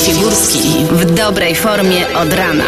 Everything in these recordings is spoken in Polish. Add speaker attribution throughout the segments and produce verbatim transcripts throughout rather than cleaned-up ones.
Speaker 1: Figurski w dobrej formie od rana.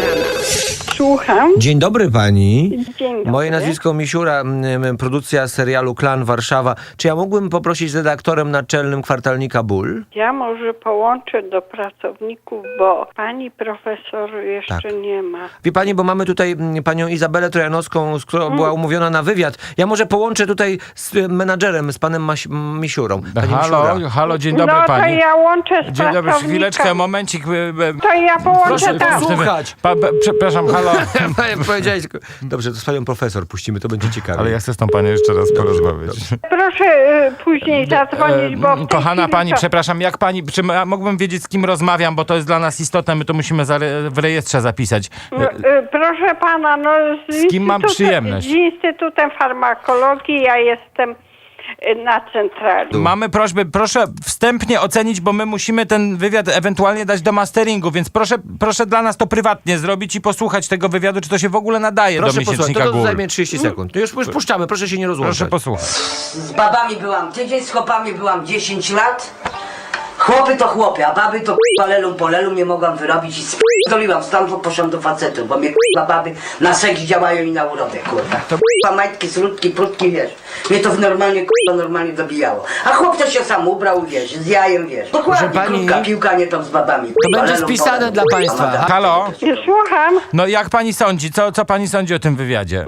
Speaker 2: Słucham.
Speaker 3: Dzień dobry pani.
Speaker 2: Dzień dobry.
Speaker 3: Moje nazwisko Misiura, m, produkcja serialu Klan Warszawa. Czy ja mógłbym poprosić z redaktorem naczelnym kwartalnika Ból?
Speaker 2: Ja może połączę do pracowników, bo pani profesor jeszcze
Speaker 3: Tak.
Speaker 2: nie ma.
Speaker 3: Wie pani, bo mamy tutaj m, panią Izabelę Trojanowską, z którą była umówiona na wywiad. Ja może połączę tutaj z y, menadżerem, z panem Maś- Misiurą. Pani
Speaker 4: Halo,
Speaker 3: Misiura.
Speaker 4: halo, dzień dobry
Speaker 2: no
Speaker 4: pani.
Speaker 2: to ja łączę z
Speaker 4: Dzień dobry,
Speaker 2: pracownikiem.
Speaker 4: chwileczkę, momencik. e, e,
Speaker 2: To ja połączę
Speaker 3: Proszę
Speaker 2: tam.
Speaker 3: posłuchać.
Speaker 4: Pa, pa, przepraszam, halo.
Speaker 3: Powiedziałeś, tylko- dobrze, to z panią profesor puścimy, to będzie ciekawe.
Speaker 4: Ale ja chcę z tą panią jeszcze raz porozmawiać.
Speaker 2: Proszę y, później zadzwonić, bo w tej
Speaker 4: Kochana
Speaker 2: chwili
Speaker 4: pani,
Speaker 2: to...
Speaker 4: przepraszam, jak pani, czy ja mógłbym wiedzieć, z kim rozmawiam, bo to jest dla nas istotne, my to musimy zare- w rejestrze zapisać.
Speaker 2: No, y, proszę pana, no z,
Speaker 4: Z kim mam
Speaker 2: Instytutem-
Speaker 4: przyjemność?
Speaker 2: Z Instytutem Farmakologii ja jestem y, na centrali.
Speaker 4: Mamy prośbę, proszę wstępnie ocenić, bo my musimy ten wywiad ewentualnie dać do masteringu, więc proszę, proszę dla nas to prywatnie zrobić i posłuchać tego wywiadu, czy to się w ogóle nadaje
Speaker 3: Proszę
Speaker 4: do
Speaker 3: posłuchać, to,
Speaker 4: miesięcznika
Speaker 3: to
Speaker 4: Gór.
Speaker 3: zajmie trzydzieści sekund. No już, już puszczamy, proszę się nie rozłączać.
Speaker 4: Proszę posłuchać.
Speaker 5: Z babami byłam tydzień, z chłopami byłam dziesięć lat. Chłopy to chłopy, a baby to k***a lelum po lelum nie mogłam wyrobić i sp***doliłam stamtąd, poszłam do facetów, bo mnie k***a baby na seks działają i na urodę, kurwa. To k***a majtki, srutki, prutki, wiesz. Mnie to normalnie k***a normalnie dobijało. A chłop to się sam ubrał, wiesz, z jajem, wiesz. Dokładnie,
Speaker 3: Proszę pani,
Speaker 5: krótka piłka, nie tam z babami.
Speaker 3: To będzie
Speaker 5: Lelum po
Speaker 3: spisane
Speaker 5: lelum.
Speaker 3: dla państwa.
Speaker 5: A madame-
Speaker 4: Halo?
Speaker 2: Słucham.
Speaker 4: No jak pani sądzi? Co, co pani sądzi o tym wywiadzie?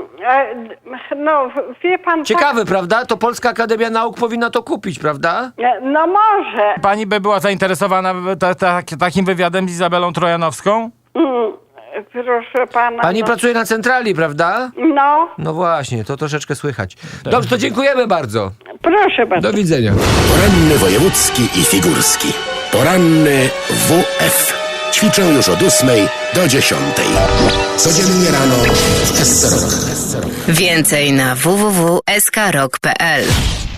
Speaker 2: E, No, wie pan...
Speaker 3: Ciekawe, prawda? To Polska Akademia Nauk powinna to kupić, prawda?
Speaker 2: Tak, e, no może.
Speaker 4: Pani by była zainteresowana ta, ta, takim wywiadem z Izabelą Trojanowską?
Speaker 2: Mm, proszę pana.
Speaker 3: Pani
Speaker 2: no,
Speaker 3: pracuje na centrali, prawda?
Speaker 2: no,
Speaker 3: No właśnie, to troszeczkę słychać. Dobrze, to dziękujemy bardzo.
Speaker 2: proszę bardzo.
Speaker 3: Do widzenia.
Speaker 6: Poranny wojewódzki i figurski. Poranny W F. Ćwiczę już od ósmej do dziesiątej. Codziennie rano w S C R O K.
Speaker 1: Więcej na w w w kropka s k rock kropka p l.